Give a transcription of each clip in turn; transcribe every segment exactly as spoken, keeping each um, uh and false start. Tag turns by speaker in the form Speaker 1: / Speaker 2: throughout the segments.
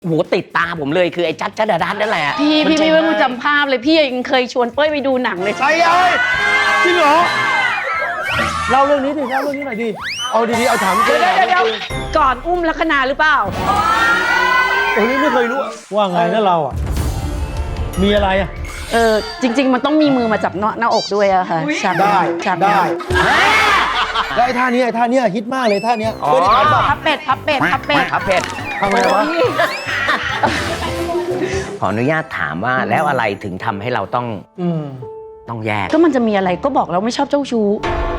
Speaker 1: โหติดตาผมเลยคือไอ้จัดจัดดาดันนั่นแหละ
Speaker 2: พี่พี่ไม่ต้องจำภาพเลยพี่ยังเคยชวนเป้ยไปดูหนังเลย
Speaker 3: ใช่เลยจริงเหรอเล่าเรื่องนี้ดิเล่าเรื่องนี้หน่อยดิเอาดีๆเอาถาม
Speaker 2: เดี๋ยวเดี๋ยวเดี๋ยวก่อนอุ้มลัคนาหรือเปล่า
Speaker 3: โอ้ยไม่เคยรู้ว่าไงนะเราอ่ะมีอะไรอ่ะ
Speaker 2: เออจริงๆมันต้องมีมือมาจับหน้าอกด้วยอะค่ะ
Speaker 3: ได้ได้ได้ท่านี้ไอ้ท่านี้ฮิตมากเลยท่านี้
Speaker 2: พับเป็ดพับเป็ดพับเป็ด
Speaker 1: พับเป็ด
Speaker 3: ทำไมวะ
Speaker 1: ขออนุญาตถามว่าแล้วอะไรถึงทำให้เราต้องต้องแยก
Speaker 2: ก็มันจะมีอะไรก็บอกเราไม่ชอบเจ้าชู้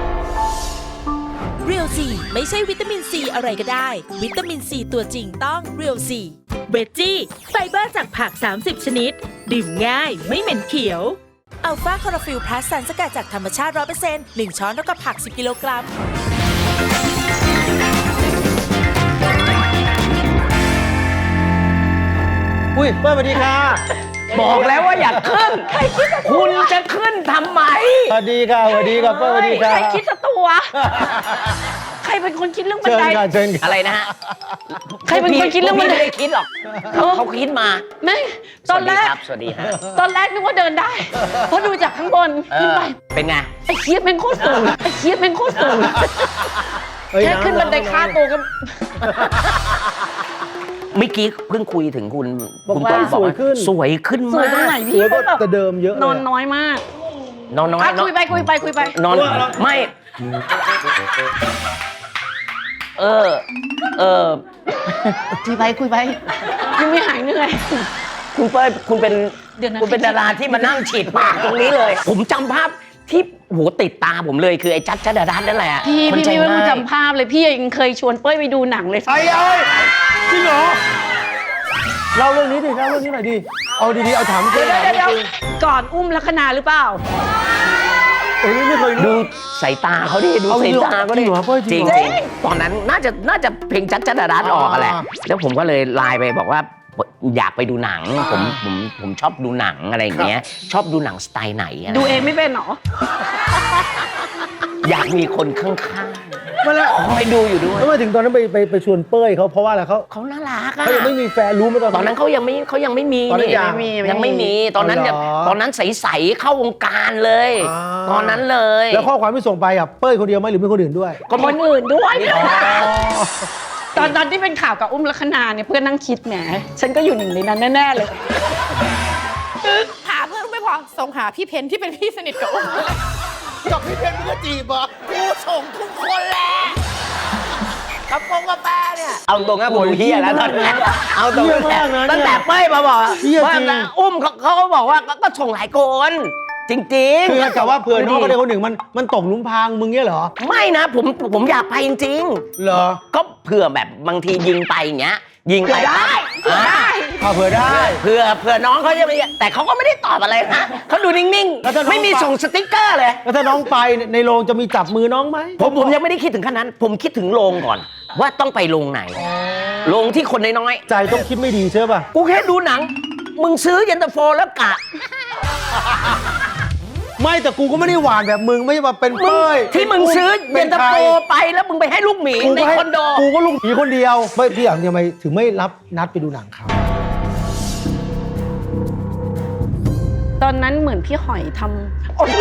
Speaker 4: เรียวซีไม่ใช่วิตามินซีอะไรก็ได้วิตามินซีตัวจริงต้องเรียวซีเวจจี้ไฟเบอร์จากผักสามสิบชนิดดื่มง่ายไม่เหม็นเขียวอัลฟาคลอโรฟิลพลัสสารสกัดจากธรรมชาติ ร้อยเปอร์เซ็นต์ หนึ่ง ช้อนเท่ากับผักสิบกิโลกรัม
Speaker 3: อุ้ยเปิ้ลสวัสดีค่ะ
Speaker 1: บอกแล้วว่าอย่าขึ้นคุณจะขึ้นทำไม
Speaker 3: สวัสดีค่ะสวัสดีค่ะเปิ้ลสวัสดีค่ะ
Speaker 2: ใครคิดจะตัวใครเป็นคนคิดเรื่องบันได
Speaker 3: เชิญค่ะ
Speaker 1: อะไรนะฮะ
Speaker 2: ใครเป็นคนคิดเรื่องบันได
Speaker 1: ไม่ได้คิดหรอกเขาคิดมา
Speaker 2: ไม่ตอนแรก
Speaker 1: สวัสดีครับ
Speaker 2: ตอนแรกนึกว่าเดินได้เพราะดูจากข้างบนขึ้นไป
Speaker 1: เป็นไง
Speaker 2: ไอ้เคียบเป็นโคตรสูงไอ้เคียบเป็นโคตรสูงแค่ขึ้นบันไดค่าตัวก็
Speaker 1: เมื่อกี้เพิ่งคุยถึงคุณ
Speaker 3: คุณต้นสวยขึ้น
Speaker 1: สวยขึ้นมาก
Speaker 2: สวยตรงไหนพี่
Speaker 3: ก็จะเดิมเยอะ
Speaker 2: นอนน้อยมาก
Speaker 1: นอนน้อย
Speaker 2: คุยไปคุยไปคุยไป
Speaker 1: นอนไม่เออเออ
Speaker 2: คุยไปคุยไปยังไม่หายเหนื่อย
Speaker 1: คุณเป้ยคุณเป็นคุณเป็นดาราที่มานั่งฉีดปากตรงนี้เลย ผมจำภาพที่โหติดตาผมเลยคือไอ้จัดจัดดาดันนั่นแหละ
Speaker 2: พี่พี่ไม่ต้องจำภาพเลยพี่ยังเคยชวนเป้ยไปดูหนังเลย
Speaker 3: ใช่เลยจริงเหรอเล่าเรื่องนี้ดิเล่าเรื่องนี้หน่อยดิเอาดีๆเอาถาม
Speaker 2: เดี๋ยวเดี๋ยวก่อนอุ้มลัคนาหรือเปล่า
Speaker 3: โอ้ยไม่เคยรู้
Speaker 1: ดูสายตาเขาดิดูสายตาเขาดิจริงจริงตอนนั้นน่าจะน่าจะเพลงจัดจัดดาดันออกแหละแล้วผมก็เลยไลน์ไปบอกว่าอยากไปดูหนังผมผมผมชอบดูหนังอะไรอย่างเงี้ยชอบดูหนังสไตล์ไหน
Speaker 2: ดูเองไม่เป็นหรอ
Speaker 1: อยากมีคนข้างๆมาแล้วคอยดูอยู่ด้วย
Speaker 3: ทำไมถึงตอนนั้นไปไปไปชวนเป้ยเขาเพราะว่าอะไรเขา
Speaker 1: เขาน่ารักอะ
Speaker 3: เขายังไม่มีแฟนรู้ไหมตอนนั้น
Speaker 1: ตอนนั้นเขายังไม่เขายังไม่มี
Speaker 3: นี่
Speaker 1: ยังไม่มีตอนนั้นตอนนั้นใสๆเข้าวงการเลยตอนนั้นเลย
Speaker 3: แล้วข้อความที่ส่งไปอ่ะเป้ยคนเดียวไหมหรือมีคนอื่นด้วย
Speaker 2: ก็คนอื่นด้วยตอนตอนที่เป็นข่าวกับอุ้มลัคนาเนี่ยเพื่อนนั่งคิดแหมฉันก็อยู่หนึ่งในนั้นแน่ๆเลย
Speaker 5: หาเพื่อนไม่พอส่งหาพี่เพนที่เป็นพี่สนิทกับอุ้ม
Speaker 3: กับพี่เพนมึงก็จีบอ่ะ
Speaker 5: กูส่งทุกคนแหละกระโปรงกระแปเนี่ย
Speaker 1: เอาตรงนะผมเฮียแล้วตอนนี้เอาตรงตั้งแต่เป้ยมาบอกว่าอุ้มเขาเขาบอกว่าก็ส่งหลายคนจริงๆ
Speaker 3: คือแต่ว่าเผื่อน้องคนใดคนหนึ่งมันมันตกหลุมพรางมึงเงี้ยเหรอ
Speaker 1: ไม่นะผมผมอยากไปจริง
Speaker 3: ๆเหรอ
Speaker 1: ก็เผื่อแบบบางทียิงไปอย่างเงี้ยยิงไป
Speaker 2: ได้ได้
Speaker 3: เผื่อได้
Speaker 1: เผื่อเผื่อน้องเขาจะไม่แต่เขาก็ไม่ได้ตอบอะไรนะเขาดูนิ่งๆไม่มีส่งสติ๊กเกอร์เลย
Speaker 3: แล้วถ้าน้องไปในโรงจะมีจับมือน้องไหม
Speaker 1: ผมผมยังไม่ได้คิดถึงขั้นนั้นผมคิดถึงโรงก่อนว่าต้องไปโรงไหนโรงที่คนน้อย
Speaker 3: ๆใจต้องคิดไม่ดีใช่ป่ะ
Speaker 1: กูแค่ดูหนังมึงซื้อเย็นตาโฟแล้วกะ
Speaker 3: ไม่แต่กูก็ไม่ได้หวานแบบมึงไม่มาเป็นเป้ย
Speaker 1: ที่มึงซื้อเย็นตาโฟไปแล้วมึงไปให้ลูกหมีในคอนโด
Speaker 3: กูก็ลูกหมีคนเดียวไม่พี่อย่างทำไมถึงไม่รับนัดไปดูหนังเขา
Speaker 2: ตอนนั้นเหมือนพี่หอยทำโอ้ย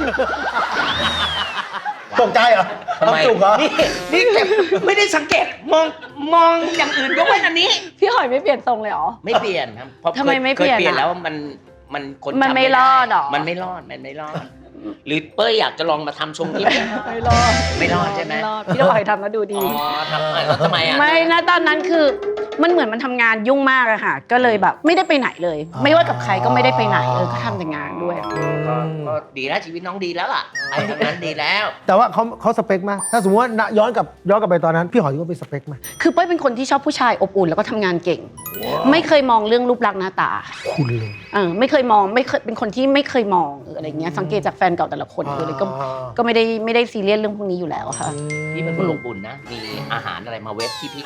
Speaker 3: ตกใจเหรอ
Speaker 1: ทำไมนี่นี่ไม่ได้สังเกตมองมองอย่างอื่นยกเว้นอันนี้
Speaker 2: พี่หอยไม่เปลี่ยนทรงเลยหรอ
Speaker 1: ไม่เปลี่ยนครับเพราะ
Speaker 2: ทำไมไม่เปลี่ยน
Speaker 1: เปลี่ยนแล้วมันมันคน
Speaker 2: มันไม่รอดหรอ
Speaker 1: มันไม่รอดมันไม่รอดหรือเป้ยอยากจะลองมาทำทรงนี้
Speaker 2: ไม่รอด
Speaker 1: ไม่รอดใช่ไหม
Speaker 2: พี่หอยทำแล้วดูดี
Speaker 1: อ๋อทำแล้วทำไมอ่ะ
Speaker 2: ไม่นะตอนนั้นคือมันเหมือนมันทำงานยุ่งมากอะค่ะก็เลยแบบไม่ได้ไปไหนเลยไม่ว่ากับใครก็ไม่ได้ไปไหนเออก็ทำแต่งานด้วย
Speaker 1: ก็ดีแล้วชีวิตน้องดีแล้วล่ะไอ้ทำนั้นดีแล้ว
Speaker 3: แต่ว่าเขาเขาสเปคไหมถ้าสมมติว่าย้อนกับย้อนกลับไปตอนนั้นพี่หอยก็เป็นสเปคไหม
Speaker 2: คือเป้ยเป็นคนที่ชอบผู้ชายอบอุ่นแล้วก็ทำงานเก่งไม่เคยมองเรื่องรูปลักษณ์หน้าตา
Speaker 3: คุณเลย
Speaker 2: เออไม่เคยมองไม่เคยเป็นคนที่ไม่เคยมองอะไรเงี้ยสังเกตจากแฟนเก่าแต่ละคนเลยก็ก็ไม่ได้ไม่ได้ซีเรียสเรื่องพวกนี้อยู่แล้วค่ะ
Speaker 1: พี่เป็นคนอบอุ่นนะมีอาหารอะไรมาเวฟที่พี่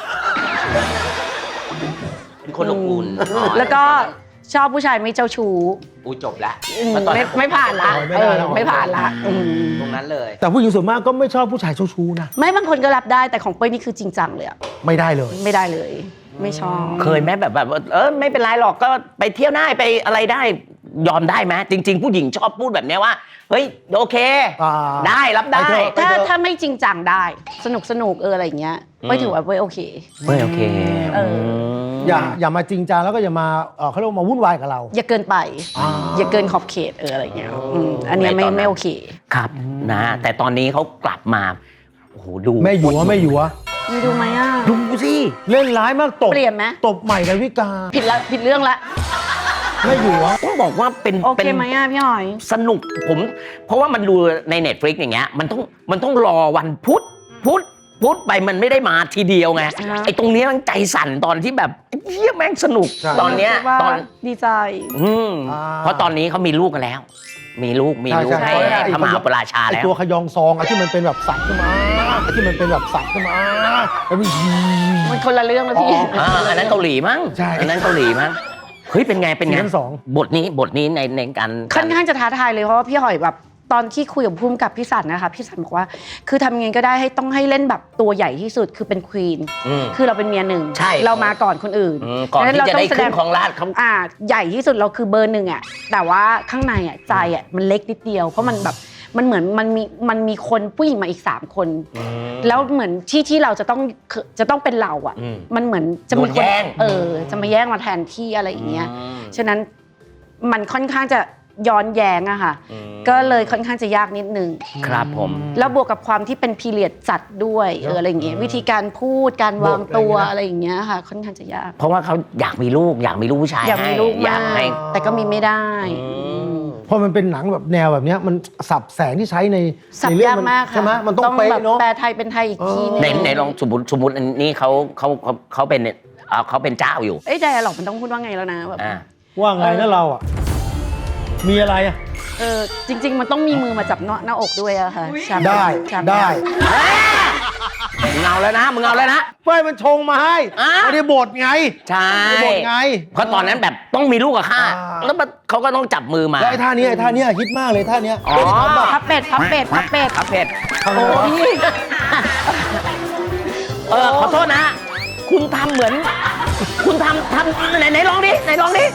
Speaker 1: เป็นคนอบอุ่น
Speaker 2: แล้วก็ชอบผู้ชายไม่เจ้าชู้
Speaker 1: อูจบละ
Speaker 2: ไม่ไม่ผ่านละไม่ผ่านละ
Speaker 1: ตรงนั้นเลย
Speaker 3: แต่ผู้หญิงส่วนมากก็ไม่ชอบผู้ชายเจ้าชู้นะ
Speaker 2: ไม่บางคนก็รับได้แต่ของเป้ยนี่คือจริงจังเลยอะ
Speaker 3: ไม่ได้เลย
Speaker 2: ไม่ได้เลยไม่ชอบ
Speaker 1: เคยไหมแบบแบบเออไม่เป็นไรหรอกก็ไปเที่ยวได้ไปอะไรได้ยอมได้ไหมจริง ๆ ผู้หญิงชอบพูดแบบเนี้ยว่าเฮ้ยโอเค
Speaker 3: อ่า
Speaker 1: ได้รับได้
Speaker 3: ไปเถอะ
Speaker 2: ถ้าถ้าไม่จริงจังได้สนุกสนุกเอออะไรอย่างเงี้ย
Speaker 1: อืม
Speaker 2: ไม่ถือว่าไม่โอเค
Speaker 1: ไม่โอเค
Speaker 2: เออ
Speaker 1: ม
Speaker 3: อย่าอย่ามาจริงจังแล้วก็อย่ามาเอ่อเขาเรียกว่ามาวุ่นวายกับเรา
Speaker 2: อย่าเกินไป
Speaker 3: อ่า
Speaker 2: อย่าเกินขอบเขตเอออะไรอย่างเงี้ยอืมอันเนี้ยไม่
Speaker 1: ในตอนนั้น
Speaker 2: ไม่โอเค
Speaker 1: ครับนะแต่ตอนนี้เขากลับมาโอ้โหดู
Speaker 3: แม่หยัวแม่หยัว
Speaker 2: มีดูไหมอ่ะ
Speaker 1: ดูสิ
Speaker 3: เล่นร้ายมากตบ
Speaker 2: เปลี่ยนไหม
Speaker 3: ตบใหม่ดาวิกา
Speaker 2: ผิดละผิดเรื่องละ
Speaker 3: แม่หยัว
Speaker 1: ต้องบอกว่าเป็น
Speaker 2: โอเค
Speaker 1: เป็น
Speaker 2: ไหมอ่ะพี่หอย
Speaker 1: สนุกผม เพราะว่ามันดูใน Netflix อย่างเงี้ยมันต้องมันต้องรอวันพุธพุธพุธไปมันไม่ได้มาทีเดียวไง
Speaker 2: อ่าฮะ
Speaker 1: ไอ้ตรงเนี้ยมันใจสั่นตอนที่แบบเฮียแม่งสนุก
Speaker 3: ใช่
Speaker 1: ตอนเนี้ย
Speaker 2: ว่า
Speaker 1: ตอน
Speaker 2: ดีใจ
Speaker 1: อืม
Speaker 3: อ่า
Speaker 1: เพราะตอนนี้เขามีลูกกันแล้ว มีลูกมีลูก
Speaker 3: ใช่
Speaker 1: ให้
Speaker 3: ใช่
Speaker 1: ให้พระมหาปราชา
Speaker 3: ไอ
Speaker 1: แล้ว
Speaker 3: ตัวขยองซองอะที่มันเป็นแบบสัตว์ขึ้นมาไอ้ที่มันเป็นแบบสัตว์ขึ้นมาแล้วมี
Speaker 2: มันคนละเรื่องแล้วพี่
Speaker 3: อ๋อ
Speaker 1: อ่าอันนั้นเกาหลีมั้ง
Speaker 3: ใช่
Speaker 1: อันนั้นเกาหลีมั้งเฮ้ยเป็นไงเป็นไง
Speaker 3: ซีซั่นสอง
Speaker 1: บทนี้บทนี้ในในการ
Speaker 2: ค่อนข้างจะท้าทายเลยเพราะว่าพี่หอยแบบตอนที่คุยกับพุ่มกับพี่สันนะคะพี่สันบอกว่า คือทำยังไงก็ได้ให้ต้องให้เล่นแบบตัวใหญ่ที่สุดคือเป็นควีน
Speaker 1: อืม
Speaker 2: คือเราเป็นเมียหนึ่ง
Speaker 1: ใช่
Speaker 2: เรามาก่อนคนอื่น
Speaker 1: อืมก่อน
Speaker 2: ดัง
Speaker 1: ที่จะได้
Speaker 2: เราต้
Speaker 1: ขึ้
Speaker 2: ง
Speaker 1: นของราชเขา
Speaker 2: อ่าใหญ่ที่สุดเราคือเบอร์หนึ่งอ่ะแต่ว่าข้างในอ่ะใจอ่ะมันเล็กนิดเดียวเพราะมันแบบมันเหมือนมันมีมันมีคนผู้หญิงมาอีกสามคน แล้วเหมือนที่ที่เราจะต้องจะต้องเป็นเราอ่ะ
Speaker 1: อืม
Speaker 2: มันเหมือนจะมี
Speaker 1: โดน
Speaker 2: คน
Speaker 1: แย่ง
Speaker 2: เออจะมาแย่งมาแทนที่อะไรอย่างเงี้ย
Speaker 1: อืม
Speaker 2: ฉะนั้นมันค่อนข้างจะย้อนแย้งอะค่ะ
Speaker 1: อืม
Speaker 2: ก็เลยค่อนข้างจะยากนิดนึง
Speaker 1: ครับผม
Speaker 2: แล้วบวกกับความที่เป็นพีเรียดจัดด้วยเอออะไรอย่างเงี้ยวิธีการพูดการวางตัวอะไรอย่างเงี้ยค่ะ ค่อนข้างจะยาก
Speaker 1: เพราะว่าเขาอยากมีลูก อยากมีลูกผู้ชาย
Speaker 2: อยากมีลูก
Speaker 1: ให้อยาก
Speaker 2: มาก
Speaker 1: ให้
Speaker 2: แต่ก็มีไม่ได้
Speaker 1: อืม
Speaker 3: พอมันเป็นหนังแบบแนวแบบเนี้ยมันสับแสงที่ใช้ใน
Speaker 2: สับ
Speaker 3: ในเรื่
Speaker 2: ยาก
Speaker 3: มัน
Speaker 2: มากค่ะ
Speaker 3: ใช่ไหมมันต้องเป๊ะ
Speaker 2: แบบ
Speaker 3: เนาะ
Speaker 2: แปลไทยเป็นไทยอีกทีนึง
Speaker 1: ไหนไหนลองสมมติสมมติอันนี้เขาเขาเขาเขาเป็นเอ่อเขาเป็นเจ้าอยู่
Speaker 2: เอ้ยแต่หรอกมันต้องพูดว่าไงแล้วนะแบบ
Speaker 1: อ่า
Speaker 3: ว่าไงนะเราอ่ะ มีอะไรอ่ะ
Speaker 2: เออจริง ๆ มันต้องมีมือมาจับหน้าหน้าอกด้วยอะค่ะฉาก
Speaker 3: ได้
Speaker 2: ฉาก
Speaker 3: ได้
Speaker 1: มึงเอาแล้วนะมึงเอาแล้วนะ
Speaker 3: ไฟมันชงมาให้
Speaker 1: อ่ะ
Speaker 3: ไม่ได้บทไง
Speaker 1: ใช่
Speaker 3: ไม่ได้บทไง
Speaker 1: เพราะตอนนั้นแบบต้องมีลูกกับข้า
Speaker 3: อ่า
Speaker 1: แล้วมันเขาก็ต้องจับมือมา
Speaker 3: แล้วไอ้ท่านี้ไอ้ท่านี้ฮิตมากเลยท่านี้
Speaker 1: อ๋อ
Speaker 2: พับเป็ดพับเป็ดพับเป็ด
Speaker 1: ครับเป็ด
Speaker 3: ทำไงวะ
Speaker 1: เออขอโทษนะ คุณทำเหมือน คุณทำทำไหนไหนลองดิไหนลองดิ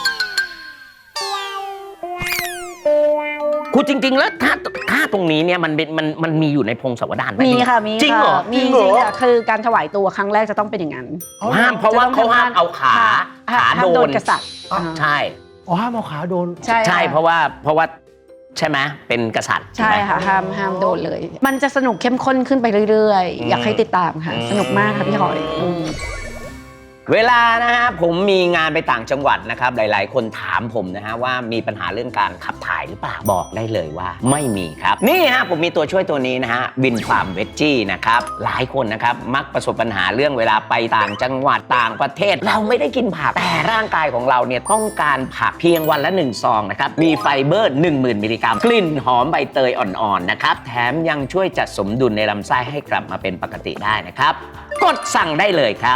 Speaker 1: คุณจริง ๆ แล้วถ้าค่าตรงนี้เนี่ยมันเป็นมันมันมีอยู่ในพงศาวดารไห
Speaker 2: มีค่ะมี
Speaker 1: จริงเหรอ
Speaker 2: ค่ะมีจริงค่ะคือการถวายตัวครั้งแรกจะต้องเป็นอย่างนั้น
Speaker 1: ห้ามเพราะว่าเขาห้ามเอาขาขา
Speaker 2: ห้าม
Speaker 1: โด
Speaker 2: โด
Speaker 1: น
Speaker 2: นกษัตริย์
Speaker 3: อ่ะ
Speaker 2: อ่า
Speaker 1: ใช่
Speaker 3: อ๋อห้ามเอาขาโดน
Speaker 2: ใช่
Speaker 1: ใช่
Speaker 2: ค่
Speaker 1: เพราะว่าเพราะว่าใช่ไหมเป็นกษัตริย์
Speaker 2: ใช่ค่ะห้ามห้ามโดนเลย มันจะสนุกเข้มข้นขึ้นไปเรื่อยๆ อยากให้ติดตามค่ะ สนุกมากค่ะพี่หอยอืม
Speaker 1: เวลานะฮะผมมีงานไปต่างจังหวัดนะครับหลายๆ คนถามผมนะฮะว่ามีปัญหาเรื่องการขับถ่ายหรือเปล่าบอกได้เลยว่าไม่มีครับนี่ฮะผมมีตัวช่วยตัวนี้นะฮะวินฟาร์มเวจจี้นะครับหลายคนนะครับมักประสบปัญหาเรื่องเวลาไปต่างจังหวัดต่างประเทศ เราไม่ได้กินผักแต่ร่างกายของเราเนี่ยต้องการผักเพียงวันละหนึ่งซองนะครับมีไฟเบอร์ หนึ่งหมื่น มิลลิกรัมกลิ่นหอมใบเตยอ่อนๆนะครับแถมยังช่วยจัดสมดุลในลำไส้ให้กลับมาเป็นปกติได้นะครับกดสั่งได้เลยครับ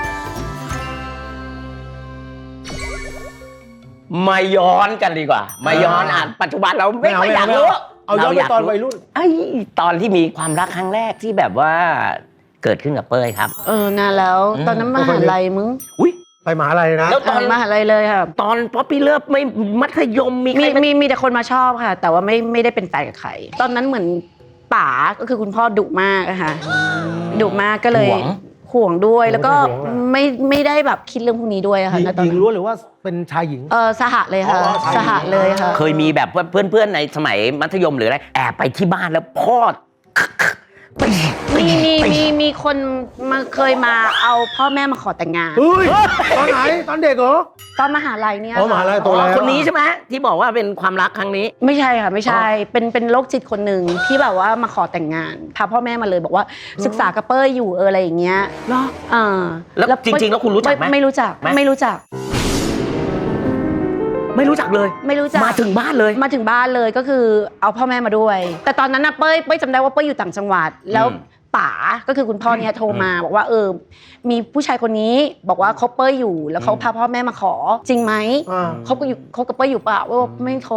Speaker 1: มาย้อนกันดีกว่า มาย้อนอ่ะปัจจุบันเราไม่ค่อยอยากรู้
Speaker 3: เอาย้อนไปตอนวัยรุ่น
Speaker 1: ไอ้ตอนที่มีความรักครั้งแรกที่แบบว่าเกิดขึ้นกับเป้ยครับ
Speaker 2: เออนานแล้ว
Speaker 1: อืม
Speaker 2: ตอนนั้นมหาลัยมึง
Speaker 1: อุ้ย
Speaker 3: ไปมหาลัยนะ
Speaker 1: แล้วตอน
Speaker 2: มหาลัยเลยค่ะ
Speaker 1: ตอนป๊อปปี้เลิฟไม่มัธยมมีใค
Speaker 2: มี
Speaker 1: ร
Speaker 2: มีมีแต่คนมาชอบค่ะ แต่ว่าไม่ไม่ได้เป็นแฟนกับใครตอนนั้นเหมือนป๋าก็คือคุณพ่อดุมากอะค่ะดุมากก็เลย
Speaker 1: ห่วง
Speaker 2: ห่วงด้วยแล้วก็
Speaker 3: ห่วงอะ
Speaker 2: ไม่ไม่ได้แบบคิดเรื่องพวกนี้ด้วยอะค่ะ
Speaker 3: หญิง
Speaker 2: ณตอน
Speaker 3: หญิง
Speaker 2: นั้น
Speaker 3: ล้วนหรือว่าเป็นชายหญิง
Speaker 2: เออสหะเลยค่ะ
Speaker 3: อ๋อชายหญิง
Speaker 2: สหะเลยค่ะ
Speaker 1: เคยมีแบบว่าเพื่อนๆในสมัยมัธยมหรืออะไรแอบไปที่บ้านแล้วพ่อ
Speaker 2: มีมีมีมีคนมาเคยมาเอาพ่อแม่มาขอแต่งงาน
Speaker 3: เฮ้ย ตอนไหน ตอนเด็กเหรอ
Speaker 2: ตอนมหาลัยเนี่ย
Speaker 3: อ๋อมหาลัย
Speaker 2: ค่ะ
Speaker 3: โตแล้ว
Speaker 1: คนนี้ใช่ไหมที่บอกว่าเป็นความรักครั้งนี้
Speaker 2: ไม่ใช่ค่ะไม่ใช่ เป็นเป็นโรคจิตคนหนึ่งที่แบบว่ามาขอแต่งงานพาพ่อแม่มาเลยบอกว่าศึกษากับเป้ยอยู่เอออะไรอย่างเงี้ย
Speaker 1: เหรอ
Speaker 2: อ่า
Speaker 1: แล้วจริงๆแล้วคุณรู้จักไหม
Speaker 2: ไม่รู้จัก
Speaker 1: ไหม
Speaker 2: ไม่รู้จัก
Speaker 1: ไม่รู้จักเลย
Speaker 2: ไม่รู้จัก
Speaker 1: มาถึงบ้านเลย
Speaker 2: มาถึงบ้านเลยก็คือเอาพ่อแม่มาด้วย แต่ตอนนั้นนะเป้ยเป้ยจำได้ว่าเป้ยอยู่ต่างจังหวัด แล้ว
Speaker 1: อืม
Speaker 2: ป๋าก็คือคุณพ่อเนี่ยโทรมาบอกว่าเออมีผู้ชายคนนี้บอกว่าคบเป้ยอยู่ แล้วเขาพาพ่อแม่มาขอจริงไหม
Speaker 3: อ่า
Speaker 2: คบกับอยู่คบกับเป้ยอยู่เปล่าว่าไม่คบ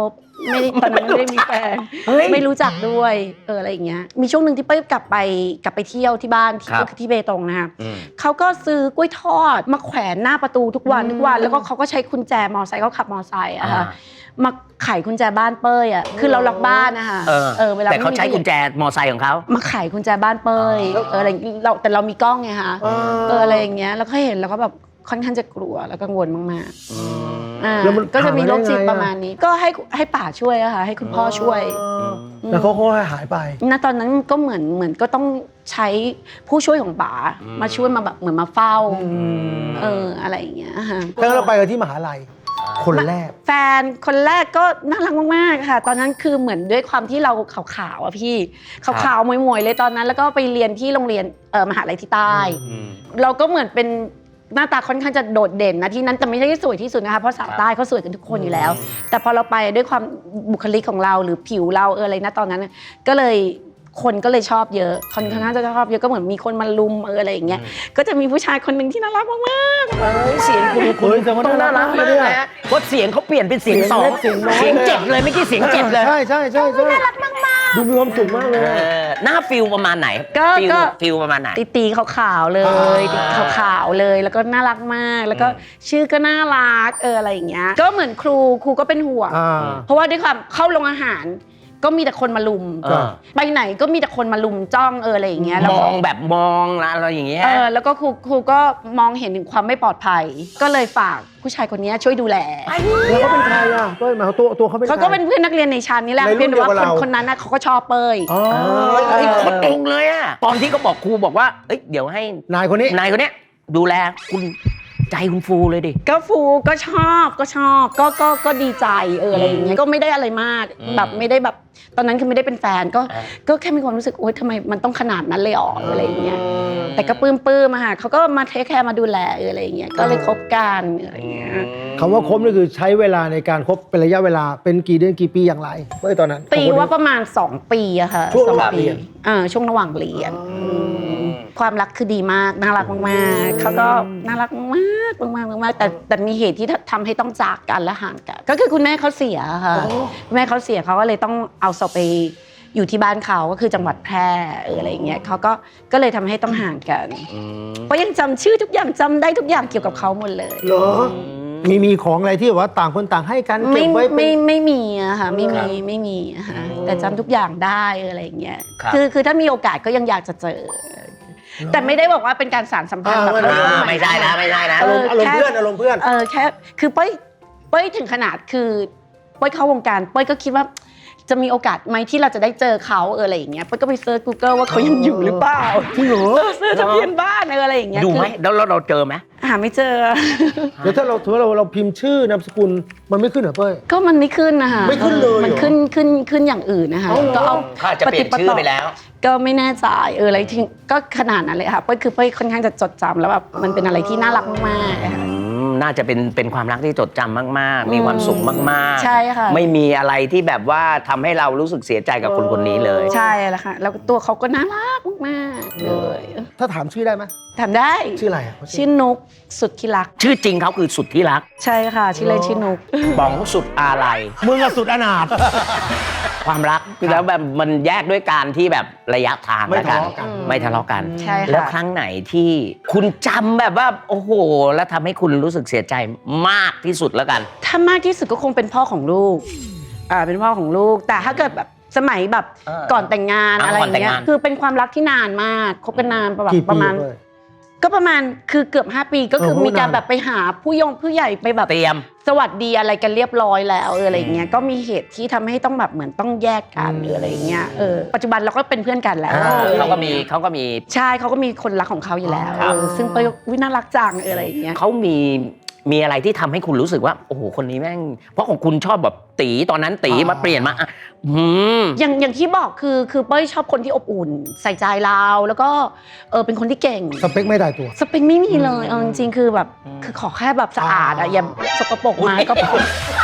Speaker 2: ไม่ได้ตอนนั้นไม่ได้มีแฟน
Speaker 1: เฮ้ย
Speaker 2: ไม่รู้จักด้วยเอออะไรอย่างเงี้ยมีช่วงหนึ่งที่เป้ยกลับไปกลับไปเที่ยวที่บ้านที่
Speaker 1: ครับ
Speaker 2: ก็คือที่เบตงนะคะ
Speaker 1: อืม
Speaker 2: เขาก็ซื้อกล้วยทอดมาแขวนหน้าประตูทุกวันทุกวันแล้วก็เขาก็ใช้กุญแจมอไซค์เขาขับมอไซค์อะค่ะมาไขกุญแจบ้านเป้ยอะคือเราล็อกบ้านนะคะ
Speaker 1: เออ
Speaker 2: เออเวลา
Speaker 1: แต่เขาใช้
Speaker 2: ไม่มี
Speaker 1: กุญแจมอไซค์ของเขา
Speaker 2: มาไขกุญแจบ้านเป้ยเอออะไรเราแต่เรามีกล้องไงคะเอออะไรอย่างเงี้ยแล้วก็เห็นแล้วก็แบบค่อนข้างจะกลัวแล้วกังวลมากๆอ่า
Speaker 3: แล้วมัน
Speaker 2: ก็จะมีโรคจิต
Speaker 3: หายได้ไงอะ
Speaker 2: ประมาณนี้ ก็ให้ให้ป่าช่วยอะค่ะให้คุณพ่อช่วย
Speaker 3: แล้วเขาก็หายไป
Speaker 2: ณตอนนั้นก็เหมือนเหมือนก็ต้องใช้ผู้ช่วยของป๋ามาช่วยมาแบบเหมือนมาเฝ้าเอออะไรอย่างเงี้ยค่ะ
Speaker 3: แล้วเราไปกันที่มหาลัยคนแรก
Speaker 2: แฟนคนแรกก็น่ารักมากๆค่ะ ตอนนั้นคือเหมือนด้วยความที่เราขาวๆอ่ะพี่ขาวๆมวยๆเลยตอนนั้น แล้วก็ไปเรียนที่โรงเรียนเอ่อมหาลัยที่ใต้ เราก็เหมือนเป็นหน้าตาค่อนข้างจะโดดเด่นนะที่นั้นแต่ไม่ใช่สวยที่สุดนะคะเพราะสาวใต้เขาสวยกันทุกคนอยู่แล้ว แต่พอเราไปด้วยความบุคลิกของเราหรือผิวเราเอออะไรนะตอนนั้นน่ะก็เลยคนก็เลยชอบเยอะคนค่อนข้างจะชอบเยอะก็เหมือนมีคนมาลุมเอออะไรอย่างเงี้ยก็จะมีผู้ชายคนหนึ่งที่น่ารักมากๆ
Speaker 1: เสียงคุณ
Speaker 3: เฮ้ยแต่ว่า
Speaker 1: ต้องน่ารัก
Speaker 3: น่ารัก
Speaker 1: มาก
Speaker 3: เลยอะ
Speaker 1: นะเพราะเสียงเขาเปลี่ยนเป็นเสียงสอง
Speaker 3: เสียงเล็กเสี
Speaker 1: เสี
Speaker 3: ย
Speaker 1: ย
Speaker 3: ง
Speaker 1: ง
Speaker 3: น้อย
Speaker 1: เจ็บเลยไม่อกี้เสียงเจ็บเลย
Speaker 3: ใช่ใช่ใช่ใช่น่ารักมากๆดูมีความสุขมากเลย
Speaker 1: เออหน้าฟิลประมาณไหน
Speaker 2: ก็
Speaker 1: ฟิล
Speaker 2: ก็
Speaker 1: ฟิลประมาณไหน
Speaker 2: ตีตีขาวๆเลย
Speaker 3: อ่า
Speaker 2: ตีขาวๆเลยแล้วก็น่ารักมาก แล้วก็ชื่อก็น่ารักเอออะไรอย่างเงี้ยก็เหมือนครูครูก็เป็นห่วง
Speaker 3: อ่า
Speaker 2: เพราะว่าด้วยความเข้าโรงอาหาร ก็มีแต่คนมาลุม
Speaker 1: เออ
Speaker 2: ไปไหนก็มีแต่คนมาลุมจ้องเอออะไรอย่างเงี้ยแล้ว
Speaker 1: ม
Speaker 2: ก็
Speaker 1: องแบบมองอะไรอย่างเงี้ย
Speaker 2: เออแล้วก็ครูครูก็มองเห็นถึงความไม่ปลอดภัย ก็เลยฝากผู้ชายคนนี้ช่วยดูแล
Speaker 3: แล้วเขาเป็นใครอ่ะเป้ยหมายความตัวตัวเขาเป็น
Speaker 2: เขาก็เป็นเพื่อนนักเรียนในชั้นนี่แหละ
Speaker 3: ในรุ่น
Speaker 2: เพียงแต่ว่า
Speaker 3: เดียวกับ
Speaker 2: คน
Speaker 3: เรา
Speaker 2: คนนั้นน่ะเขาก็ชอบเป้ย
Speaker 3: อ๋อ
Speaker 1: เฮ้ยคนตรงเลยอะตอนที่เขาบอกครูบอกว่าเอ้ยเดี๋ยวให้
Speaker 3: นายคนนี้
Speaker 1: นายคนเนี้ยดูแลคุณใจคุณฟูเลยดิ
Speaker 2: ก็ฟูก็ชอบก็ชอบก็ก็ก็ดีใจเอออะไรอย่างเงี้ยก็ไม่ได้อะไรมาก
Speaker 1: อืม
Speaker 2: แบบไม่ได้แบบตอนนั้นคือไม่ได้เป็นแฟนก็
Speaker 1: อ่า
Speaker 2: ก็แค่มีความรู้สึกโอ๊ยทำไมมันต้องขนาดนั้นเลยอ๋ออะไรอย่างเงี้ยแต่ก็ปลื้มปลื้มๆอะค่ะเขาก็มาเทคแคร์มาดูแลเอออะไรอย่างเงี้ยก็เลยคบกันอะไรอย่างเงี้ย
Speaker 3: คำว่าคบนี่คือใช้เวลาในการคบเป็นระยะเวลาเป็นกี่เดือนกี่ปีอย่างไรเป้ยตอนนั้น
Speaker 2: ตีว่าประมาณสองปีอะค่ะ
Speaker 3: ช่วง
Speaker 2: สอ
Speaker 3: ระหว่าง
Speaker 2: ปี
Speaker 3: เรียน
Speaker 2: อ่าช่วงระหว่างเรียนมความรักคือดีมากน่ารักมากๆเขาก็น่ารักมากมากๆมากๆแต่แต่มีเหตุที่ทำให้ต้องจากกันและห่างกันก็คือคุณแม่เขาเสียค่ะคุณแม่เขาเสียเขาก็เลยต้องเอาศพไปอยู่ที่บ้านเขาก็คือจังหวัดแพร่เอออะไรอย่างเงี้ยเขาก็ก็เลยทำให้ต้องห่างกันเพราะยังจำชื่อทุกอย่างจำได้ทุกอย่างเกี่ยวกับเขาหมดเลย
Speaker 3: เหรอมีมีของอะไรที่แบบว่าต่างคนต่างให้กัน
Speaker 2: ไม่
Speaker 3: เก็บไว้เป็น
Speaker 2: ไม่ไม่มีอะค่ะไม่
Speaker 1: ครั
Speaker 2: มี
Speaker 1: บ
Speaker 2: ไม่มีอะค่ะแต่จำทุกอย่างได้อะไรอย่างเงี้ย
Speaker 1: ครับ
Speaker 2: คือคือถ้ามีโอกาสก็ยังอยากจะเจอ แต่ไม่ได้บอกว่าเป็นการสานสัมพันธ์แบบ
Speaker 3: อ่า
Speaker 1: อ่าไม่ใช่นะไม่ใช่นะ
Speaker 3: อารมณ์อารมณ์เพื่อนอารมณ์เพื่อน
Speaker 2: เออแค่คือเป้ยเป้ยถึงขนาดคือเป้ยเข้าวงการเป้ยก็คิดว่าจะมีโอกาสไหมที่เราจะได้เจอเขาเอออะไรอย่างเงี้ยเป้ยก็ไปเซิร์ช Google ว่าเขายังอยู่หรือเปล่า
Speaker 3: จริงเหรอ
Speaker 2: เออเซิร์ชทะเบียนบ้านเอออะไรอย่างเงี้ย
Speaker 1: ดูไหม
Speaker 2: คือ
Speaker 1: แล้วแล้วเราเจอไหม
Speaker 2: หาไม่เจอ
Speaker 3: เดี๋ยวถ้าเราถือว่าเราเราพิมพ์ชื่อนามสกุลมันไม่ขึ้นเหรอเป้ย
Speaker 2: ก็มันไม่ขึ้นนะคะ
Speaker 3: ไม่ขึ้นเลยเหรอ
Speaker 2: มันขึ้นขึ้นขึ้นอย่างอื่นนะคะ
Speaker 3: เอาเหรอ
Speaker 2: ก็เอา
Speaker 1: เขาอาจจะเปลี่ยนชื่อไปแล้ว
Speaker 2: ก็ไม่แน่ใจเอออะไรที่ก็ขนาดนั้นเลยค่ะเป้ยคือเป้ยค่อนข้างจะจดจำแล้วแบบมันเป็นอะไรที่น่ารักมากๆอะค่ะ
Speaker 1: อืมน่าจะเป็นเป็นความรักที่จดจำมากๆ มีความสุขมากๆ
Speaker 2: ใช่ค่ะ
Speaker 1: ไม่มีอะไรที่แบบว่าทำให้เรารู้สึกเสียใจกับคนคนนี้เลย
Speaker 2: ใช่แล้วค่ะแล้วตัวเขาก็น่ารักมากๆเลย
Speaker 3: ถ้าถามชื่อได้ไหม
Speaker 2: ถามได้
Speaker 3: ชื่ออะไรอะ
Speaker 2: ชื่อนุกสุดที่รัก
Speaker 1: ชื่อจริงเขาคือสุดที่รัก
Speaker 2: ใช่ค่ะชื่อเล่นชื่อนุก
Speaker 1: ป๋องสุดอาลัย
Speaker 3: มึงอะสุดอนาถ
Speaker 1: ความรักแล้วแบบมันแยกด้วยการที่แบบระยะทาง
Speaker 3: ไม่
Speaker 1: แล้ว
Speaker 3: ทะเลาะกัน
Speaker 1: ไม่ทะเลาะกัน
Speaker 2: ใช่ค่ะ
Speaker 1: แล้วครั้งไหนที่คุณจำแบบว่าโอ้โห แล้วทำให้คุณรู้สึกเสียใจมากที่สุดแล้วกัน
Speaker 2: ถ้ามากที่สุดก็คงเป็นพ่อของลูกอ่าเป็นพ่อของลูก แต่ถ้าเกิดแบบสมัยแบบ
Speaker 1: เออ
Speaker 2: ก่อนแต่งงาน
Speaker 1: อ่า
Speaker 2: อะไรอย่างเงี้
Speaker 1: ก่อนแต่ง
Speaker 2: ย
Speaker 1: งาน
Speaker 2: คือเป็นความรักที่นานมากคบกันนานประมาณ
Speaker 3: กี่
Speaker 2: ป
Speaker 3: ปี
Speaker 2: ระมาณ
Speaker 3: เป้ย
Speaker 2: ก็ประมาณคือเกือบห้าปีก็คือ
Speaker 3: โอ้โห
Speaker 2: มีการ
Speaker 3: นาน
Speaker 2: แบบไปหาผู้ยงผู้ใหญ่ไปแบบ
Speaker 1: เตรียม
Speaker 2: สวัสดีอะไรกันเรียบร้อยแล้วเอออะไรอย่างเงี้ยก็มีเหตุที่ทำให้ต้องแบบเหมือนต้องแยกกันหรืออะไรอย่างเงี้ยเออปัจจุบันเราก็เป็นเพื่อนกันแล้ว
Speaker 1: อ่า
Speaker 2: ออ
Speaker 1: เขาก็มีเขาก็มี
Speaker 2: ใช่เขาก็มีคนรักของเขาอยู่แล้ว
Speaker 1: ครับ
Speaker 2: เออซึ่งไปวิน่ารักจังเอออะไรอย่างเงี้ย
Speaker 1: เขามีมีอะไรที่ทำให้คุณรู้สึกว่า โอ้โห คนนี้แม่ง เพราะของคุณชอบแบบตีตอนนั้นตี
Speaker 3: อ่าม
Speaker 1: มาเปลี่ยนมาอ่ะอืม
Speaker 2: อย่างอย่างที่บอกคือคือเป้ยชอบคนที่อบอุ่น ใส่ใจเราแล้วก็เออเป็นคนที่เก่ง
Speaker 3: สเปคไม่ได้ตัว
Speaker 2: สเปคไม่มีเลยเอาจริงๆคือแบบคือขอแค่แบบสะอาดอะอย่าสกปรกมาก็พอ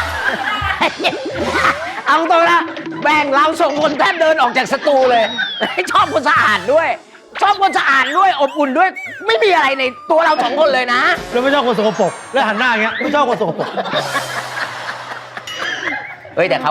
Speaker 1: เอาตรงนะแบ่งเราส่งคนแทบเดินออกจากสตูเลย ชอบคนสะอาดด้วย ชอบคนสะอาดด้วยอบอุ่นด้วย ไม่มีอะไรในตัวเราสองคนเลยนะ
Speaker 3: แล้วไม่ชอบคนสกปรกแล้วหันหน้าอย่างเงี้ยไม่ชอบคนสกปรก
Speaker 1: เฮ้ยแต่เขา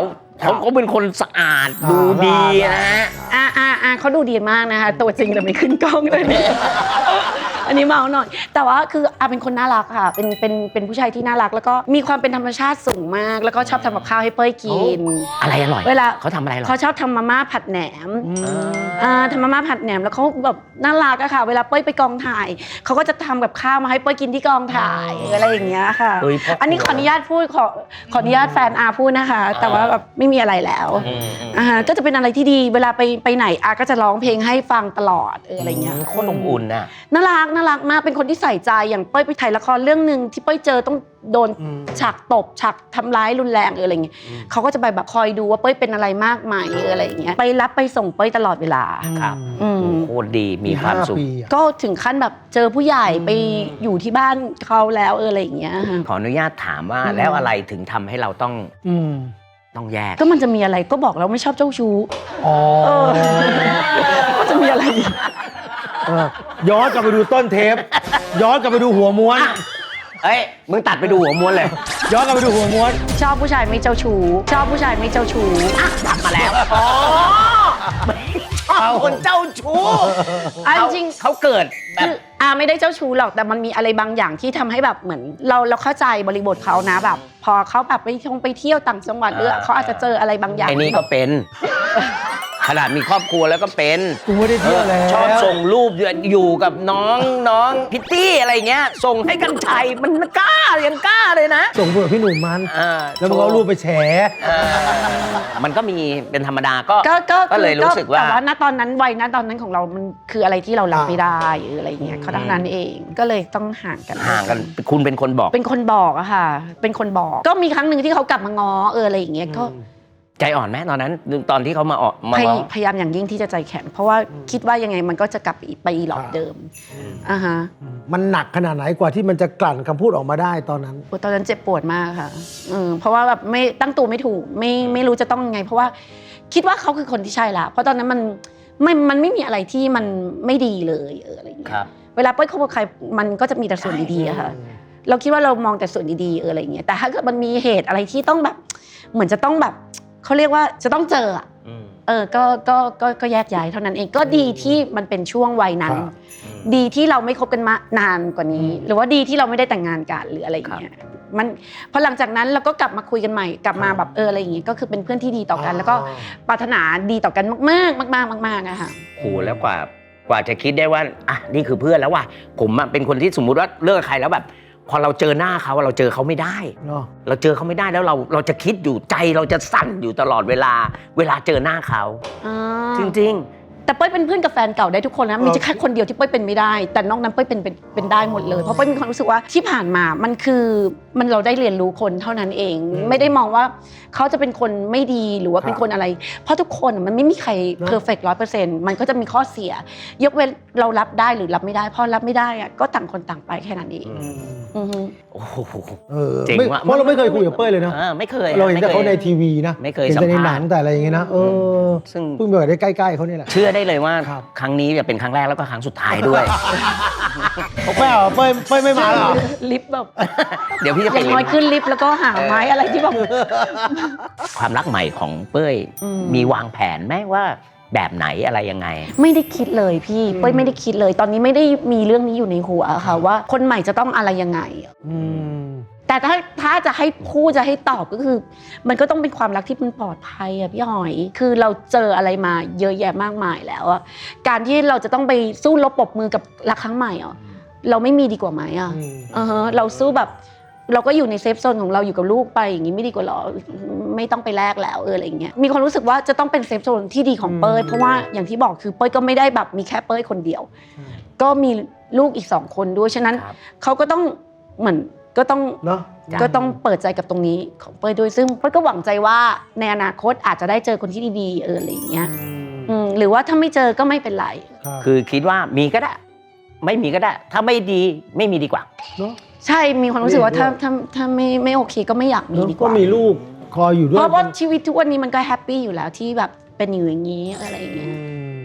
Speaker 1: เขาก็เป็นคนสะอาดดูดีนะฮะ
Speaker 2: อ่าอ่าอ่าเขาดูดีมากนะคะตัวจริงแต่ไม่ขึ้นกล้องเลยเนี่ยอันนี้เมาหน่อยแต่ว่าคืออาเป็นคนน่ารักค่ะเป็นเป็นเป็นผู้ชายที่น่ารักแล้วก็มีความเป็นธรรมชาติสูงมากแล้วก็ชอบทำกับข้าวให้เป้ยกิน
Speaker 1: อะไรอร่อย
Speaker 2: เวลา
Speaker 1: เขาทำอะไรอร่อย
Speaker 2: เขาชอบทำมาม่าผัดแหนมอ่าทำมาม่าผัดแหนมแล้วเขาแบบน่ารักอะค่ะเวลาเป้ยไปกองถ่ายเขาก็จะทำกับข้าวมาให้เป้ยกินที่กองถ่ายอะไรอย่างเงี้ยค่ะ
Speaker 1: เฮ้ยพ่ออั
Speaker 2: อันนี้ขออนุญาตพูดขอขออนุญาตแฟนอาพูดนะคะ แต่ว่าแบบไม่มีอะไรแล้วอ่าก็จะเป็นอะไรที่ดีเวลาไปไปไหนอาก็จะร้องเพลงให้ฟังตลอดเอออะไรเงี้ย
Speaker 1: โคตรอบอุ่นน่ะ
Speaker 2: น่ารักน่ารักมากเป็นคนที่ใส่ใจอย่างเป้ยไปถ่ายละครเรื่องหนึ่งที่เป้ยเจอต้องโดนฉากตบฉากทำร้ายรุนแรงหรืออะไรเงี้ยเขาก็จะไปแบบคอยดูว่าเป้ยเป็นอะไรมากไหมหรืออะไรอย่างเงี้ยไปรับไปส่งเป้ยตลอดเวลา
Speaker 1: ครับ
Speaker 2: อืม
Speaker 1: โคตรดีมีความสุข
Speaker 2: ก็ถึงขั้นแบบเจอผู้ใหญ่ไปอยู่ที่บ้านเขาแล้วเอออะไรอย่างเงี้ยค่ะ
Speaker 1: ขออนุญาตถามว่าแล้วอะไรถึงทำให้เราต้อง
Speaker 3: อืม
Speaker 1: ต้องแยก
Speaker 2: ก็มันจะมีอะไรก็บอกแล้วไม่ชอบเจ้าชู้
Speaker 3: อ๋อ
Speaker 2: เออก็จะมีอะไรอีก
Speaker 3: เออย้อนกลับไปดูต้นเทป ย้อนกลับไปดูหัวม้วน
Speaker 1: เอ้ยมึงตัดไปดูหัวม้วนเลย
Speaker 3: ย้อนกลับไปดูหัวม้วน
Speaker 2: ชอบผู้ชายไม่เจ้าชู้ชอบผู้ชายไม่เจ้าชู้
Speaker 1: ตัดมาแล้วอ๋อชอบคนเจ้าชู้
Speaker 2: อ่ะ
Speaker 1: เขา
Speaker 2: จริง
Speaker 1: เขาเกิดแบ
Speaker 2: คื
Speaker 1: บ
Speaker 2: ออาไม่ได้เจ้าชู้หรอกแต่มันมีอะไรบางอย่างที่ทำให้แบบเหมือนเราเราเข้าใจบริบทเขานะแบบ พอเขาแบบไปท่องไปเที่ยวต่างจังหวัดหรือเขาอาจจะเจออะไรบางอย่าง
Speaker 1: ไอ้นี่ก็เป็น ขนาดมีครอบครัวแล้วก็เป็น
Speaker 3: กูไม่ได้เที่ยวแล้ว
Speaker 1: ชอบส่งรูปอยู่กับน้องน้องพิตตี้อะไรเงี้ย ส่งให้กันชัยมันกล้ายังกล้าเลยนะ
Speaker 3: ส่งเผื่อพี่หนุ่มมัน
Speaker 1: อ่า
Speaker 3: แล้วมันก็เอารูปไปแฉ
Speaker 1: เออมันก็มีเป็นธรรมดาก็
Speaker 2: ก็ก็
Speaker 1: ก็เลยรู้สึกว่า
Speaker 2: แต่ว่าณตอนนั้นวัยณตอนนั้นของเรามันคืออะไรที่เรารับไม่ได้หรืออะไรเงี้ยเขาดังนั้นเองก็เลยต้องห่างกัน
Speaker 1: ห่างกันคุณเป็นคนบอก
Speaker 2: เป็นคนบอกอะค่ะ เป็นคนบอก ก็มีครั้งหนึ่งที่เขากลับมาง้อเอออะไรอย่างเงี้ยก็
Speaker 1: ใจอ่อนไหมตอนนั้นตอนที่เขามาออกมา
Speaker 2: พย
Speaker 1: ง้อ
Speaker 2: พยายามอย่างยิ่งที่จะใจแข็งเพราะว่าคิดว่ายังไงมันก็จะกลับไปไปอีหลอบเดิมอ่าฮะ
Speaker 3: มันหนักขนาดไหนกว่าที่มันจะกลั่นคำพูดออกมาได้ตอนนั้น
Speaker 2: โอ้ตอนนั้นเจ็บปวดมากค่ะเออเพราะว่าแบบไม่ตั้งตัวไม่ถูกไม่ไม่รู้จะต้องยังไง เพราะว่าคิดว่าเขาคือคนที่ใช่ละเพราะตอนนั้นมันไม่มันไม่มีอะไรที่มันไม่ดีเลยเอออะไรอย่างเงี้
Speaker 1: ครั
Speaker 2: ย
Speaker 1: บ
Speaker 2: เวลาเป้ยคบกับใครมันก็จะมีแต่ส่วนดีๆอะค่ะ เราคิดว่าเรามองแต่ส่วนดีๆเอออะไรอย่างเงี้ยแต่ถ้าเกิดมันมีเหตุอะไรที่ต้องแบบเหมือนจะต้องแบบเขาเรียกว่าจะต้องเจออะเออก็ก็ก็ก็แยกย้ายเท่านั้นเองก็ดีที่มันเป็นช่วงวัยนั้น
Speaker 3: ครับ
Speaker 2: ดีที่เราไม่คบกันมานานกว่านี้ หรือว่าดีที่เราไม่ได้แต่งงานกันหรืออะไรอย่างเงี้ยมันพอหลังจากนั้นเราก็กลับมาคุยกันใหม่กลับมาแบบเอออะไรอย่างเงี้ยก็คือเป็นเพื่อนที่ดีต่อกัน แล้วก็ปรารถนาดีต่อกันมากๆมากๆมากๆอะค่ะ
Speaker 1: โหแล้วกว่ากว่าจะคิดได้ว่าอ่ะนี่คือเพื่อนแล้วว่ะผมอะเป็นคนที่สมมุติว่าเลิกกับใครแล้วแบบ พอเราเจอหน้าเขาเราเจอเขาไม่ได้
Speaker 3: เนาะ
Speaker 1: เราเจอเขาไม่ได้แล้วเราเราจะคิดอยู่ใจเราจะสั่นอยู่ตลอดเวลา เวลาเจอหน้าเขา
Speaker 2: อ่า
Speaker 1: จริง
Speaker 2: แต่เป้ยเป็นเพื่อนกับแฟนเก่าได้ทุกคนนะมีแค่คนเดียวที่เป้ยเป็นไม่ได้ แต่นอกนั้นเป้ยเป็นเป็นเป็นได้หมดเลยเพราะเป้ยมีความรู้สึกว่าที่ผ่านมามันคือมันเราได้เรียนรู้คนเท่านั้นเอง ไม่ได้มองว่าเขาจะเป็นคนไม่ดีหรือว่าเป็นคนอะไร เพราะทุกคนมันไม่มีใครเพอร์เฟกต์ร้อยเปอร์เซ็นต์มันก็จะมีข้อเสีย ยกเว้นเรารับได้หรือรับไม่ได้พอรับไม่ได้อะก็ต่างคนต่างไปแค่นั้นเองอือฮึ
Speaker 1: ๆ โอ้โห
Speaker 3: เออ
Speaker 1: เจ๋ง
Speaker 3: ไม่
Speaker 1: ว่ะ
Speaker 3: เพราะเราไม่เคยคุยกับเป้ยเลยนะ
Speaker 1: ออไม่เคย
Speaker 3: เราเห็นแต่
Speaker 1: ไม่ค
Speaker 3: เขา
Speaker 1: ย
Speaker 3: ในทีวีนะ
Speaker 1: ไม่เคย
Speaker 3: เห็นแต่ใน
Speaker 1: สัมภาษณ์
Speaker 3: หนังแต่อะไรอย่างเงี้ยนะเออ
Speaker 1: ซึ่ง
Speaker 3: เพิ่งไปได้ใกล้ๆเขาเนี่ยแหละ
Speaker 1: เชื่อได้เลยว่า
Speaker 3: ครับ
Speaker 1: ครั้งนี้จะเป็นครั้งแรกแล้วก็ครั้งสุดท้ายด้วย
Speaker 3: เป้ยเหรอเป้ยเป้ยไม่มาเหรอ
Speaker 2: ลิฟต์แบบ
Speaker 1: เดี๋ยวพี่จะ
Speaker 2: อ
Speaker 1: ไป
Speaker 2: ย่างน้อยขึ้นลิฟต์แล้วก็หาไม้อะไรที่แบบ
Speaker 1: ความรักใหม่ของเป้ย
Speaker 2: อืม
Speaker 1: มีวางแผนไหมว่าแบบไหนอะไรยังไง
Speaker 2: ไม่ได้คิดเลยพี่เป้ยไม่ได้คิดเลย ตอนนี้ไม่ได้มีเรื่องนี้อยู่ในหัวค่ะว่าคนใหม่จะต้องอะไรยังไง
Speaker 3: อืม
Speaker 2: แต่ถ้าถ้าจะให้พูดจะให้ตอบก็คือ มันก็ต้องเป็นความรักที่มันปลอดภัยอะพี่หอย คือเราเจออะไรมาเยอะแยะมากมายแล้วอะการที่เราจะต้องไปสู้รบปรบมือกับรักครั้งใหม่อะเราไม่มีดีกว่าไหมอะ
Speaker 3: อืม
Speaker 2: อ่าฮะเราสู้แบบเราก็อยู่ในเซฟโซนของเราอยู่กับลูกไปอย่างนี้ไม่ดีกว่าหรอไม่ต้องไปแลกแล้วเอออะไรอย่างเงี้ยมีความรู้สึกว่าจะต้องเป็นเซฟโซนที่ดีของเป้ยเพราะว่าอย่างที่บอกคือเป้ยก็ไม่ได้แบบมีแค่เป้ยคนเดียว ก็มีลูกอีกสองคนด้วยฉะนั้น
Speaker 1: ครับ
Speaker 2: เขาก็ต้องเหมือนก็ต้อง
Speaker 3: เนาะ
Speaker 2: ก็ต้องเปิดใจกับตรงนี้ของเป้ยด้วยซึ่งเป้ยก็หวังใจว่าในอนาคตอาจจะได้เจอคนที่ดีๆเอออะไรอย่างเงี้ยอืมหรือว่าถ้าไม่เจอก็ไม่เป็นไร
Speaker 3: รับ
Speaker 1: คือคิดว่ามีก็ได้ ไม่มีก็ได้ ถ้าไม่ดีไม่มีดีกว่า
Speaker 3: เนาะ
Speaker 2: ใช่มีความรู้สึกว่า
Speaker 3: เห็นด้วย
Speaker 2: ถ้าถ้าถ้าไม่ไม่โอเคก็ไม่อยากมีดีก
Speaker 3: ก็
Speaker 2: ว่า
Speaker 3: มีลูกคอยอยู่ด้วย
Speaker 2: เพราะว่าชีวิตทุกวันนี้มันก็แฮปปี้อยู่แล้วที่แบบเป็นอยู่อย่างนี้อะไรอย่างเงี้
Speaker 3: อื
Speaker 2: ย
Speaker 3: ม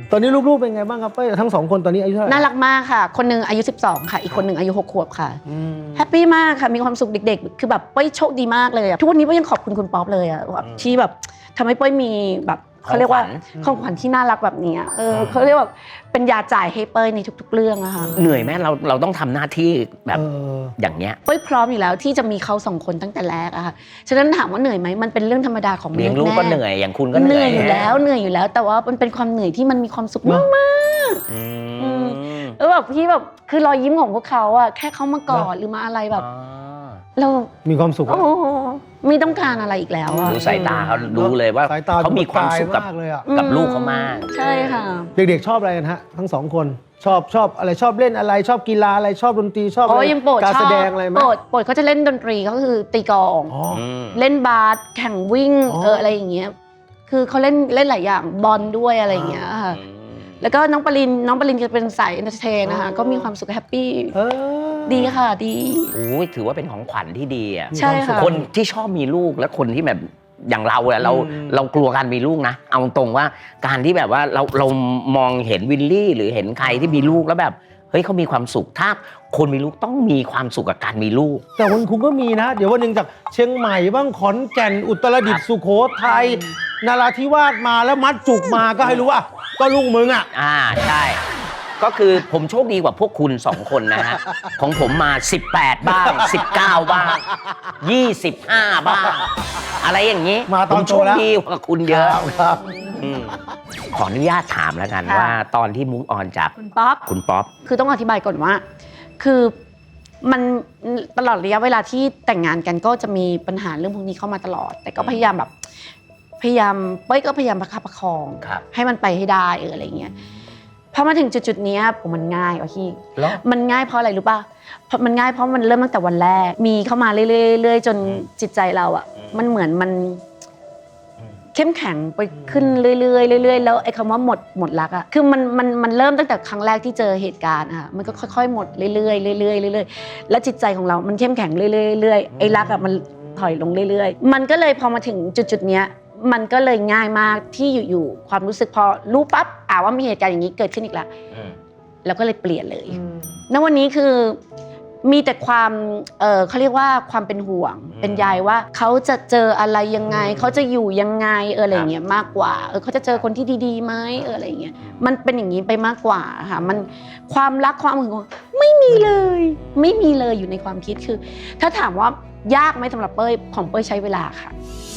Speaker 3: ตอนนี้ลูกๆเป็นไงบ้างครับเป้ยทั้งสองคนตอนนี้อายุเท่าไหร่
Speaker 2: น่ารักมากค่ะ คนหนึงอายุสิบสองค่ะอีกคนหนึงอายุหกขวบค่ะ
Speaker 3: อืม
Speaker 2: แฮปปี้มากค่ะมีความสุขเด็กๆคือแบบเป้ยโชคดีมากเลยอะทุกวันนี้เป้ยยังขอบคุณคุณป๊อปเลยอะแบบที่แบบทำให้เป้ยมีแบบเขาเรียกว่าของขวัญที่น่ารักแบบนี้เออเขาเรียกว่าเป็นยาจ่ายให้เป้ยในทุกๆเรื่องอะค่ะ
Speaker 1: เหนื่อยไหมเราเราต้องทำหน้าที่แบบ
Speaker 3: เออ
Speaker 1: อย่างเนี้ย
Speaker 2: เป้ยพร้อมอยู่แล้วที่จะมีเขาสองคนตั้งแต่แรกอะค่ะฉะนั้นถามว่าเหนื่อยไหมมันเป็นเรื่องธรรมดาของม
Speaker 1: เลี้ยง
Speaker 2: นุษ
Speaker 1: ลู
Speaker 2: ย์
Speaker 1: ก
Speaker 2: แม่
Speaker 1: ก็เหนื่อยอย่างคุณก็
Speaker 2: เห
Speaker 1: เหนื่
Speaker 2: นื่
Speaker 1: อ
Speaker 2: อย ยอยู่แล้วเหนื่อยอยู่แล้ว แต่ว่ามันเป็นความเหนื่อยที่มันมีความสุขมากมาก
Speaker 1: อืม
Speaker 2: ๆแล้วแบบพี่แบบคือรอยยิ้มของพวกเขาอะแค่เขามากอดหรือมาอะไรแบบ
Speaker 1: อ๋อ
Speaker 2: เรา
Speaker 3: มีความสุข
Speaker 2: โอ้โหไม่ต้องการอะไรอีกแล้วอะ
Speaker 1: ดูสายตาเขาดูเลยว่า
Speaker 3: สายตา
Speaker 1: เขามีความสุขกับ
Speaker 3: มากเลยอ่ะ
Speaker 1: กับลูกเขามาก
Speaker 2: ใช่ค่ะ
Speaker 3: เด็กๆชอบอะไรกันฮะทั้งสองคนชอบชอบอะไรชอบเล่นอะไรชอบกีฬาอะไรชอบดนตรีชอบ
Speaker 2: โอ้
Speaker 3: อะไร
Speaker 2: ยังโปรด
Speaker 3: การ
Speaker 2: ชอ
Speaker 3: แส
Speaker 2: บ
Speaker 3: ดงอะไรไหม
Speaker 2: โปรดโปรดเขาจะเล่นดนตรีก็คือตีกลอง
Speaker 3: อ๋อ
Speaker 1: อืม
Speaker 2: เล่นบาสแข่งวิ่ง
Speaker 3: อ๋อ
Speaker 2: เอออะไรอย่างเงี้ยคือเขาเล่นเล่นหลายอย่างบอลด้วยอะไรอย่างเงี้ยค่ะแล้วก็น้องปรินน้องปรินจะเป็นสายเอนเตอร์เทนนะคะก็มีความสุขแฮปปี้
Speaker 3: เออ
Speaker 2: ดีค่ะดี
Speaker 1: โอ้ยถือว่าเป็นของขวัญที่ดีอ่ะ
Speaker 2: ใช่ค่ะ
Speaker 1: คนที่ชอบมีลูกและคนที่แบบอย่างเราอะเรา
Speaker 3: อืม
Speaker 1: เรากลัวการมีลูกนะ เอาตรงว่าการที่แบบว่าเราเรามองเห็นวิลลี่หรือเห็นใครที่มีลูกแล้วแบบเฮ้ยเขามีความสุขถ้าคนมีลูกต้องมีความสุขกับการมีลูก
Speaker 3: แต่วันคุณก็มีนะ เดี๋ยววันหนึ่งจากเชียงใหม่บ้างขอนแก่นอุตรดิตถ์สุโขทัยนาราธิวาสมาแล้วมัดจุกมาก็ให้รู้ว่า ก็ลูกมึงอ่ะ
Speaker 1: อ่าใช่ ก็คือผมโชคดีกว่าพวกคุณสองคนนะฮะ ของผมมาสิบแปดบ้างสิบเก้าบ้างยี่สิบห้าบ้าง อะไรอย่างนี้
Speaker 3: มาตอน
Speaker 1: ผมโชค
Speaker 3: โตแล้ว
Speaker 1: ดีกว่าคุณเยอะ
Speaker 3: ครับ
Speaker 1: อืมขออนุญาตถามแล้วกัน
Speaker 2: ค่ะ
Speaker 1: ว่าตอนที่มุกออนจาก
Speaker 2: คุณป๊อป
Speaker 1: คุณป๊อป
Speaker 2: คือต้องอธิบายก่อนว่า คือมันตลอดระยะเวลาที่แต่งงานกันก็จะมีปัญหาเรื่องพวกนี้เข้ามาตลอด แต่ก็พยายามแบบ พยายามเป้ยก็พยายามประคับประคอง
Speaker 1: ครับ
Speaker 2: ให้มันไปให้ได้เอออะไรเงี้ยพอมาถึงจุดๆเนี้ยผมมันง่ายว่ะพี่
Speaker 1: แล้ว
Speaker 2: มันง่ายเพราะอะไรรู้ป่ะเพราะมันง่ายเพราะมันเริ่มตั้งแต่วันแรก มีเข้ามาเรื่อยๆจนจิตใจเราอ่ะ มันเหมือนมันเข้มแข็งไปขึ้นเรื่อยๆเรื่อยๆแล้วไอ้คำว่าหมดหมดรักอ่ะคือมันมันมันเริ่มตั้งแต่ครั้งแรกที่เจอเหตุการณ์อะค่ะมันก็ค่อยๆหมดเรื่อยๆเรื่อยๆเรื่อยๆแล้วจิตใจของเรามันเข้มแข็งเรื่อยๆเรื่อยๆไอ้รักอ่ะมันถอยลงเรื่อยๆมันก็เลยพอมาถึงจุดๆเนี้ยมันก็เลยง่ายมากที่อยู่ๆความรู้สึกพอรู้ปั๊บอ่าว่ามีเหตุการณ์อย่างนี้เกิดขึ้นอีกแล้วแล้วก็เลยเปลี่ยนเลยณวันนี้คือมีแต่ความเออเขาเรียกว่าความเป็นห่วง เป็นใยว่าเขาจะเจออะไรยังไงเขาจะอยู่ยังไงเอออะไรอย่างเงี้ยมากกว่าเออเขาจะเจอคนที่ดีๆไหมเอออะไรอย่างเงี้ยมันเป็นอย่างนี้ไปมากกว่าค่ะมันความรักความหึงหวงไม่มีเลย ไม่มีเลยอยู่ในความคิดคือ ถ้าถามว่ายากไหมสำหรับเป้ยของเป้ยใช้เวลาค่ะ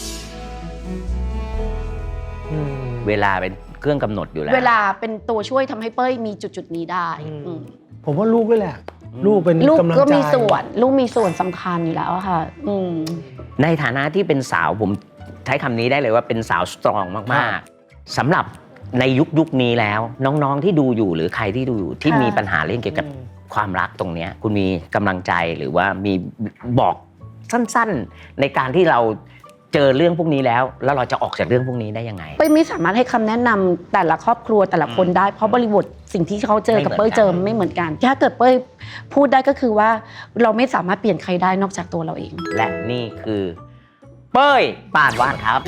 Speaker 1: เวลาเป็นเครื่องกำหนดอยู่แล้ว
Speaker 2: เวลาเป็นตัวช่วยทำให้เป้ยมีจุดๆนี้ได้อืม
Speaker 3: ผมว่าลูกด้วยแหละ ลูกเป็น
Speaker 2: ลูก
Speaker 3: กำลังใจ
Speaker 2: ก็มีส่วนลูกมีส่วนสำคัญอยู่แล้วอะค่ะอืม
Speaker 1: ในฐานะที่เป็นสาวผมใช้คำนี้ได้เลยว่าเป็นสาวสตรองมากๆสำหรับในยุคยุคนี้แล้ว น้องๆที่ดูอยู่หรือใครที่ดูอยู่ที่
Speaker 2: ค่ะ
Speaker 1: มีปัญหาเรื่องเกี่ยวกับความรักตรงเนี้ยคุณมีกำลังใจหรือว่ามีบอกสั้นๆ ในการที่เราเจอเรื่องพวกนี้แล้ว แล้วเราจะออกจากเรื่องพวกนี้ได้ยังไง
Speaker 2: เป้ยไม่สามารถให้คำแนะนำแต่ละครอบครัวแต่ละคนได้เพราะบริบทสิ่งที่เขาเจอกับ
Speaker 1: ไม่
Speaker 2: เป้
Speaker 1: เหมือนกัน
Speaker 2: ยเจอไม่เหมือนกันถ้าเกิดเป้ยพูดได้ก็คือว่าเราไม่สามารถเปลี่ยนใครได้นอกจากตัวเราเอง
Speaker 1: และนี่คือ เป้ยปานวาดครับ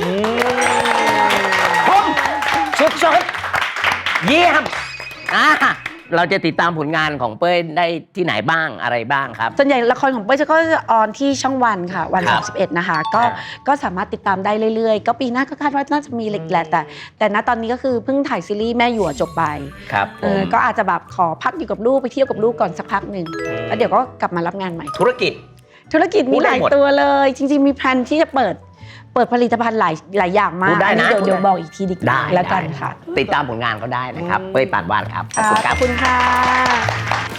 Speaker 1: ผมสุดๆเยี่ยมอ่าเราจะติดตามผลงานของเป้ยได้ที่ไหนบ้างอะไรบ้างครับ
Speaker 2: ส่วนใหญ่ละครของเป้ยจะก็จะออนที่ช่องวันค่ะวัน
Speaker 1: ครับ
Speaker 2: สามสิบเอ็ดนะคะก็
Speaker 1: ครับ
Speaker 2: ก็สามารถติดตามได้เรื่อยๆ ก็ปีหน้าก็คาดว่าน่าจะมีเล็กแหละแต่แต่ณตอนนี้ก็คือเพิ่งถ่ายซีรีส์แม่หยวจบไป
Speaker 1: ครับผ
Speaker 2: เออ
Speaker 1: ม
Speaker 2: ก็อาจจะแบบขอพักอยู่กับลูกไปเที่ยวกับลูกก่อนสักพักหนึ่งแล้วเดี๋ยวก็กลับมารับงานใหม่
Speaker 1: ธุรกิจ
Speaker 2: ธุรกิจ
Speaker 1: พู
Speaker 2: มี
Speaker 1: ด
Speaker 2: ห
Speaker 1: ได้
Speaker 2: ลาย
Speaker 1: หมด
Speaker 2: ตัวเลย จริงๆมีแพลนที่จะเปิดเปิดผลิตภัณฑ์หลายหลายอย่างมา
Speaker 1: พู
Speaker 2: ก
Speaker 1: ดได้
Speaker 2: อันนี้
Speaker 1: นะ
Speaker 2: เดี๋ยว
Speaker 1: พูดได้
Speaker 2: เดี๋ยวบอกอีกทีดีก
Speaker 1: ได้
Speaker 2: ว่าแล้วกัน
Speaker 1: ได้
Speaker 2: ค่ะ
Speaker 1: ติดตามผลงานเขาได้นะครับ เป้ยปานวาดครับขอบคุณค
Speaker 2: ข
Speaker 1: รั
Speaker 2: อบ บคุณค่ะ